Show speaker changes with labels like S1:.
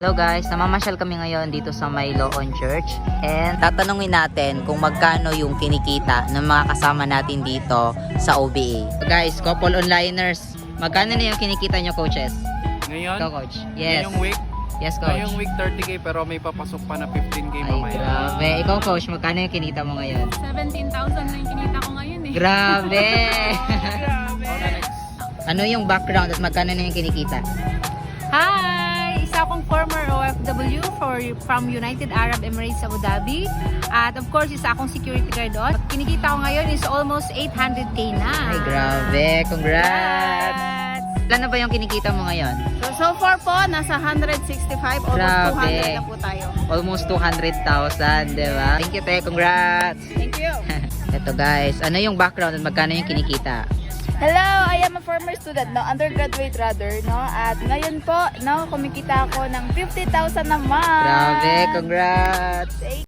S1: Hello guys, namamasyal kami ngayon dito sa May Loon Church and tatanungin natin kung magkano yung kinikita ng mga kasama natin dito sa OBA. Guys, couple onliners, magkano na yung kinikita nyo, coaches?
S2: Ngayon?
S1: Ikaw, coach. Yes.
S2: Ngayong week?
S1: Yes, coach.
S2: Ngayong week 30k pero may papasok pa na 15k
S1: Ay,
S2: mamaya.
S1: grabe. Ikaw, coach, magkano yung kinita mo ngayon?
S3: 17,000 na yung kinita ko ngayon eh.
S1: Grabe!
S2: Grabe!
S1: Ano yung background at magkano na yung kinikita?
S3: Hi! Isa akong former OFW from United Arab Emirates, Abu Dhabi. At of course, isa akong security guard doon. Kinikita ko ngayon is almost 800k na.
S1: Ay, grabe. Congrats! Ilan na ba yung kinikita mo ngayon?
S3: So far po, nasa 165, almost
S1: Grabe.
S3: 200 na po tayo.
S1: Almost 200,000, di ba? Thank you, te. Congrats!
S3: Thank you!
S1: Ito guys, ano yung background at magkano yung kinikita?
S4: Hello, I am a former student, no, undergraduate rather, no, at ngayon po, no, kumikita ako ng 50,000 naman.
S1: Grabe, congrats!